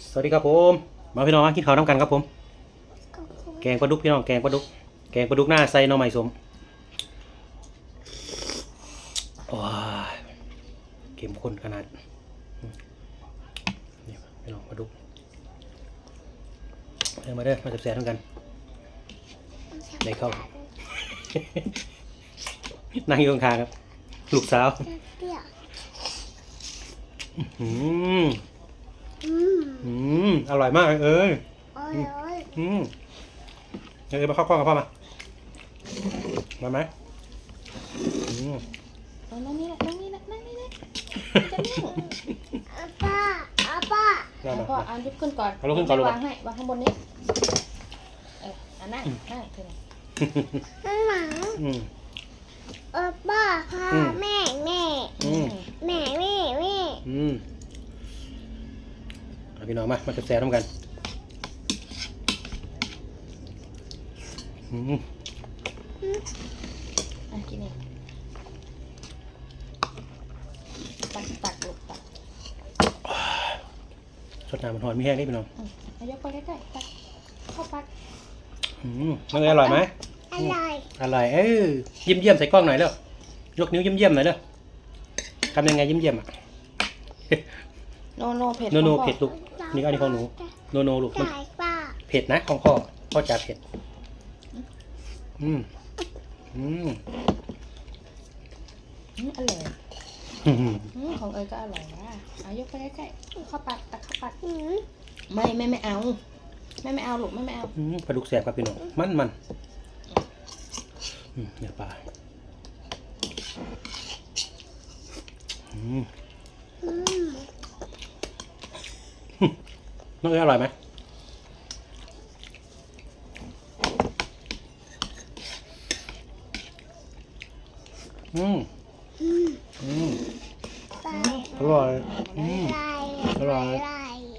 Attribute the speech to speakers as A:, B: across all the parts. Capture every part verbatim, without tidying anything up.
A: สวัสดีครับผมมาพี่น้องมากินข้าวน้ำกันครับผมแกงปลาดุกพี่น้องแกงปลาดุกแกงปลาดุกหน้าใส่หน่อไม้สมว้าเข้มข้นขนาดนี่พี่น้องปลาดุกเดินมาเด้อมาแซ่บๆทั้งกันได้เข้า นั่งอยู่ข้างๆครับลูกสาวอืมอืมอร่อยมากเอ้ยอืมเอ้ยมาเข้ากล้องกับพ่อมามาไหมอืม
B: นั่งนี่แหละนั่งนี่แหละนั่งนี่แหละจะนั่ง
C: ป้าอาป้า
A: มามา
B: พ่อเอาลุกขึ้นก่อน
A: เอาลุกขึ้นก่อนลูก
B: วางให้วางข้างบนนี้เอออ่ะนั่งนั่งเถอะ
C: นั่นหมา
A: อืม
C: เออป้าพา
A: อืม
C: แม่แม่
A: อืม
C: แม่แม่แม่
A: อืมเอาพี่น้องมามาแซ่บๆน้ำกันอืม
B: อ่ะกินเองตักตักลูกตัก
A: สดน้ำมันหอนมีแห้งนี่พี่น้อง
B: อืมเอายกไปใกล้ๆตักเข้าปาก
A: อืมมันอร่อยไหม
C: อร่อย
A: อร่อยเอ้ยเยี่ยมเยี่ยมใส่กล้องหน่อยเร็วยกนิ้วเยี่ยมเยี่ยมหน่อยเร็วทำยังไงเยี่ยมเยี่ยมอ่ะ
B: โนโนเผ็ด
A: โนโน
B: ของพ่อ
A: เผ็ดลูกนี่ก็อันนี้ของหนูโนโนลูกมัน
C: จ่ายป้า
A: เผ็ดนะของพ่อพ่อจะเผ็ดอืมอืม
B: อืมอร่อย
A: อืม
B: อืมของเอ๋ยก็อร่อยนะเอายกไปใกล้ๆเข้าปากตักเข้าปาก
C: อืม
B: ไม่ไม่ไม่เอาไม่ไม่เอาลูกไม่ไม่เอา
A: อืมปลาดุกแสบครับพี่น้องมันมันอืมเนื้อปลาอืม
C: อืม
A: น้องเอ๋ยอร่อยไหมอืม
C: อืม
A: อืม
C: ไป
A: อร่อยอืม
C: ไป
A: อร่อย
C: ไป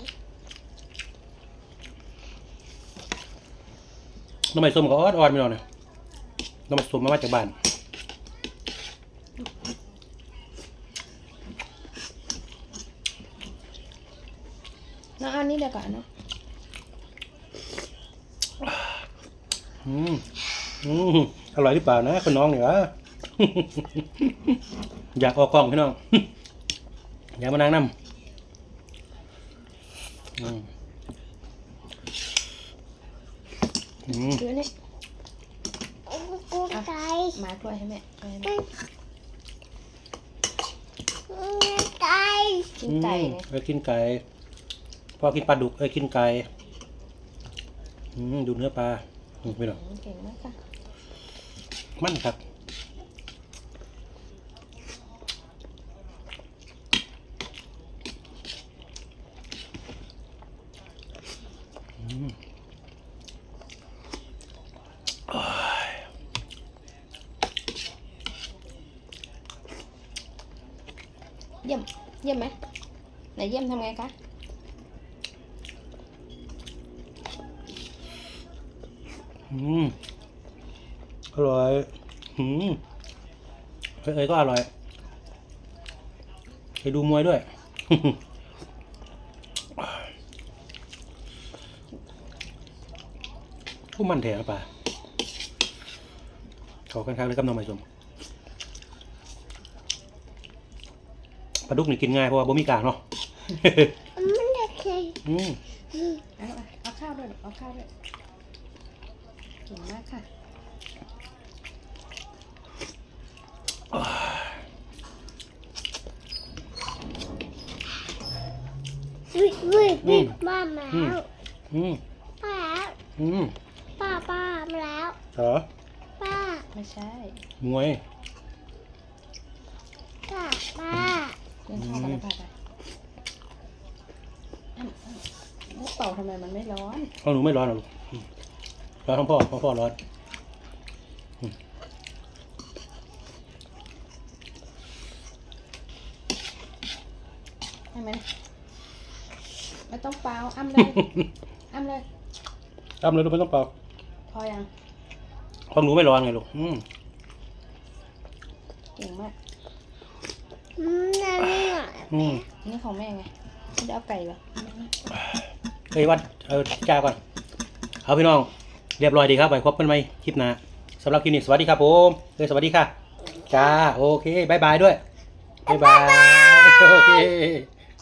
A: น้ำมันส้มก็อ่อนๆพี่น้องเนี่ยน้ำมันส้มมามาจากบ้าน
B: น้องเอาอันนี้เดี๋ยวก่อนเนาะ
A: อืมอืมอร่อยหรือเปล่านะคุณน้องเนี่ย วะ อยากออกกล้องพี่น้อง อยากมานั่งน้ำอืมอืม
B: ดูนี่
C: กูไก่
B: มาถ้วยให้แม่ถ้วยให้
C: อื
B: แม่
C: มไก่
B: กินไก่
A: อืม
B: เนี่ย
A: เอ้ยกินไก่พ่อกินปลาดุกเอ้ยกินไก่อืมดูเนื้อปลาอืมพี่น้อง
B: อืมเก่งมากค่ะ
A: มันครับอืม
B: เยี่ยมเยี่ยมไหมไหนเยี่ยมทำไงคะ
A: อืมอร่อยอืมเอ้ยเอ้ยก็อร่อยไปดูมวยด้วย ผู้มันแถวป่ะขอกันครับเลยกับน้องใหม่ชมปลาดุกนี่กินง่ายเพราะว่าบ่มีกากเนาะ
C: มันจะเคย
A: อืม
B: เอาเอาข้าวด้วยเอาข้าวด้วยเก่งมากค่ะ
C: วิววิววิวมาแล้ว
A: อืม
C: ป้า
A: อืม
C: ป้าป้ามาแล้ว
A: เหรอ
C: ป้า
B: ไม่ใช่
A: มวย
C: ป้าป้า
B: เล่นข้าวไปเลยค่ะไปอ้ำอ้ำแล้วเป่าทำไมมันไม่ร้อน
A: ของหนูไม่ร้อนหรอกลูกอืมร้อนของพ่อของพ่อร้อน
B: ใช่ไหมไม่ต้องเป่าอ้ำเลยอ้ำเลย
A: ทำเลยลูกไม่ต้องเป่า
B: พอยัง
A: ของหนูไม่ร้อนไงลูกอืม
B: เก่งมาก
C: อืมนั่นนี่หน่อย
A: อืม
B: นี่ของแม่ไงไม่ได้เอาไก่เหรอ
A: เอ้ยวัดเออจ้าก่อนเอาพี่น้องเรียบร้อยดีครับไปพบกันใหม่คลิปหน้าสำหรับคลิปนี้สวัสดีครับผมเอ้ยสวัสดีค่ะจ้าโอเคบายบายด้วยบายบายโอเค